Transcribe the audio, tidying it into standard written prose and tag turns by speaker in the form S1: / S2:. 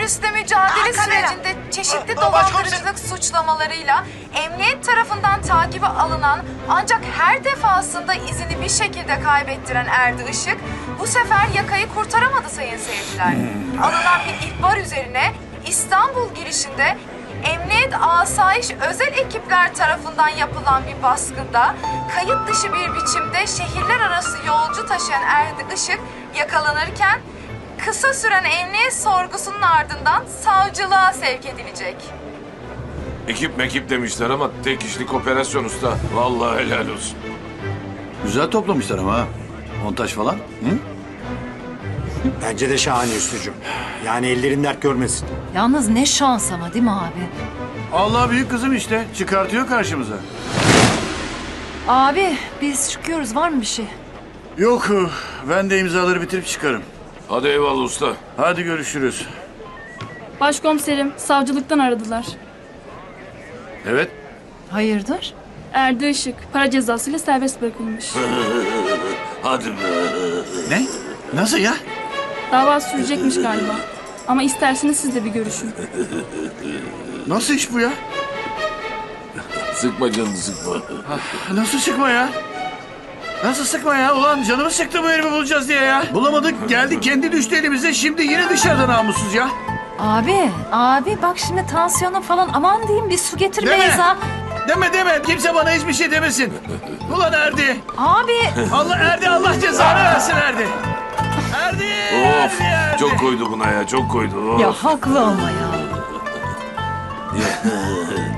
S1: teröristle mücadele sürecinde çeşitli dolandırıcılık suçlamalarıyla emniyet tarafından takibe alınan ancak her defasında izini bir şekilde kaybettiren Erdi Işık bu sefer yakayı kurtaramadı sayın seyirciler. Alınan bir ihbar üzerine İstanbul girişinde emniyet asayiş özel ekipler tarafından yapılan bir baskında kayıt dışı bir biçimde şehirler arası yolcu taşıyan Erdi Işık yakalanırken kısa süren emniyet sorgusunun ardından savcılığa sevk edilecek.
S2: Ekip mekip demişler ama tek kişilik operasyon usta. Vallahi helal olsun.
S3: Güzel toplamışlar ama ha. Montaj falan. Hı?
S4: Bence de şahane üstücüm. Yani ellerin dert görmesin.
S5: Yalnız ne şans ama değil mi abi?
S3: Allah büyük kızım işte. Çıkartıyor karşımıza.
S5: Abi biz çıkıyoruz, var mı bir şey?
S3: Yok. Ben de imzaları bitirip çıkarım.
S2: Hadi eyvallah usta.
S3: Hadi görüşürüz.
S6: Başkomiserim, savcılıktan aradılar.
S3: Evet.
S5: Hayırdır?
S6: Erdi Işık, para cezasıyla serbest bırakılmış.
S2: Hadi be.
S3: Ne? Nasıl ya?
S6: Dava sürecekmiş galiba. Ama isterseniz siz de bir görüşün.
S3: Nasıl iş bu ya?
S2: Sıkma canını sıkma.
S3: Nasıl sıkma ya? Nasıl sıkma ya? Ulan canımı sıktı bu herifi bulacağız diye ya. Bulamadık. Geldi kendi düştü elimize. Şimdi yine dışarıda namussuz ya.
S5: Abi bak şimdi tansiyonun falan, aman diyeyim bir su getir
S3: Deme.
S5: Beyza.
S3: Deme. Kimse bana hiçbir şey demesin. Ulan Erdi.
S5: Abi
S3: Erdi Allah cezanı versin Erdi. Erdi.
S2: Of.
S3: Erdi.
S2: Çok koydu buna ya. Çok koydu. Of.
S5: ya haklı olma ya.